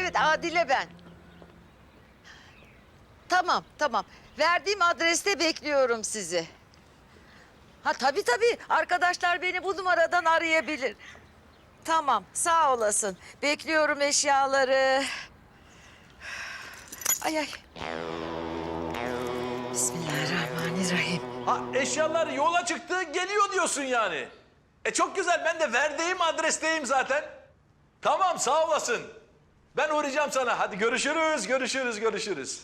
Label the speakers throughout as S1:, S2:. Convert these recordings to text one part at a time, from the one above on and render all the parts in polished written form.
S1: evet Adile ben. Tamam, tamam. Verdiğim adreste bekliyorum sizi. Ha tabii tabii. Arkadaşlar beni bu numaradan arayabilir. Tamam, sağ olasın. Bekliyorum eşyaları. Ay ay. Bismillahirrahmanirrahim.
S2: Ha, eşyalar yola çıktı, geliyor diyorsun yani. Çok güzel, ben de verdiğim adresteyim zaten. Tamam, sağ olasın. Ben uğrayacağım sana. Hadi görüşürüz, görüşürüz, görüşürüz.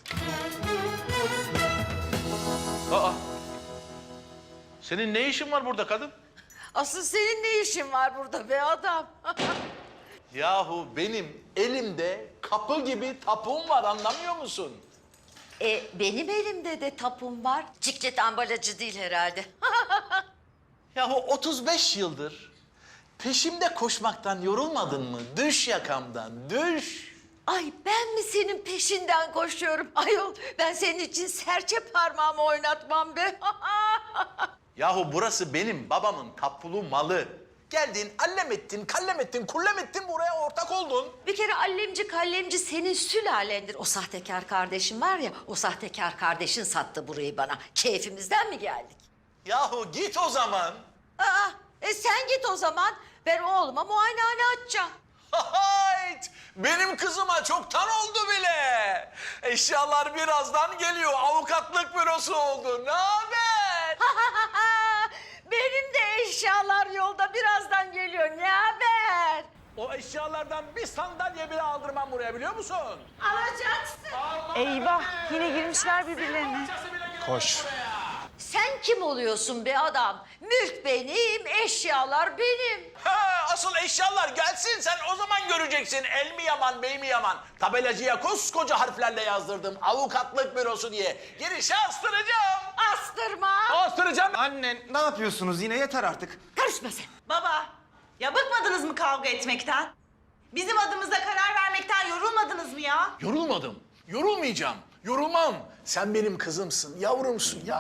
S2: Aa, senin ne işin var burada kadın?
S1: Asıl senin ne işin var burada be adam?
S2: Yahu benim elimde kapı gibi tapum var, anlamıyor musun?
S1: Benim elimde de tapum var. Ciklet ambalajı değil herhalde.
S2: Yahu 35 yıldır peşimde koşmaktan yorulmadın mı? Düş yakamdan, düş.
S1: Ay ben mi senin peşinden koşuyorum? Ayol ben senin için serçe parmağımı oynatmam be.
S2: Yahu burası benim babamın tapulu malı. Geldin, allem ettin, kallem ettin, kullem ettin, buraya ortak oldun.
S1: Bir kere allemci kallemci senin sülalendir. O sahtekar kardeşin var ya, o sahtekar kardeşin sattı burayı bana. Keyfimizden mi geldik?
S2: Yahu git o zaman.
S1: Aa, sen git o zaman. Ben oğluma muayenehane açacağım.
S2: Hayt! Benim kızıma çoktan oldu bile. Eşyalar birazdan geliyor. Avukatlık bürosu oldu. Ne haber?
S1: Benim de eşyalar yolda birazdan geliyor. Ne haber?
S2: O eşyalardan bir sandalye bile aldırmam buraya, biliyor musun?
S1: Alacaksın.
S3: Eyvah, yine girmişler birbirlerine.
S4: Koş.
S1: Sen kim oluyorsun be adam? Mülk benim, eşyalar benim.
S2: Ha, asıl eşyalar gelsin, sen o zaman göreceksin. El mi yaman, bey mi yaman? Tabelacıya koskoca harflerle yazdırdım. Avukatlık bürosu diye. Girişe astıracağım.
S1: Astırma.
S2: Astıracağım.
S4: Anne ne yapıyorsunuz yine, yeter artık.
S1: Karışma sen.
S3: Baba, ya bıkmadınız mı kavga etmekten? Bizim adımıza karar vermekten yorulmadınız mı ya?
S2: Yorulmadım. Yorulmayacağım. Yorulmam. Sen benim kızımsın, yavrumsun ya.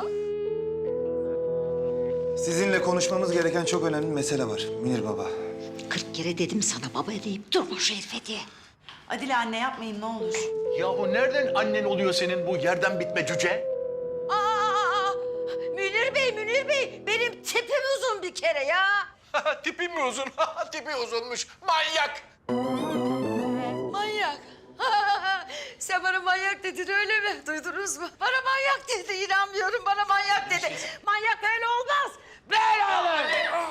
S4: Sizinle konuşmamız gereken çok önemli mesele var Münir Baba.
S1: 40 kere dedim sana baba deyip durma şu herife diye.
S3: Adile anne yapmayın ne olur.
S2: Yahu nereden annen oluyor senin bu yerden bitme cüce?
S1: Aa, Münir Bey, benim tipim uzun bir kere ya.
S2: Tipi mi uzun? Tipi uzunmuş. Manyak.
S1: Manyak. Sen bana manyak dedin öyle mi? Duydunuz mu? Bana manyak dedi, inanmıyorum bana manyak dedi. Manyak öyle olmaz. Böyle olur.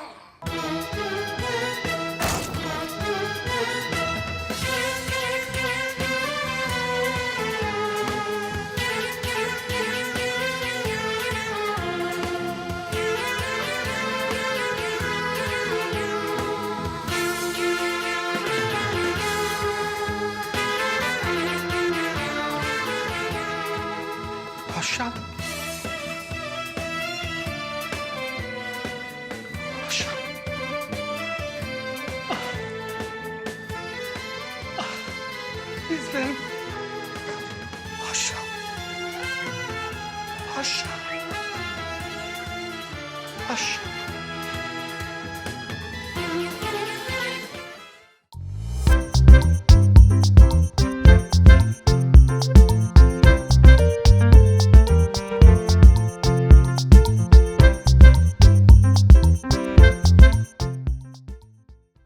S4: Paşam. Paşam.
S2: Bizlerim.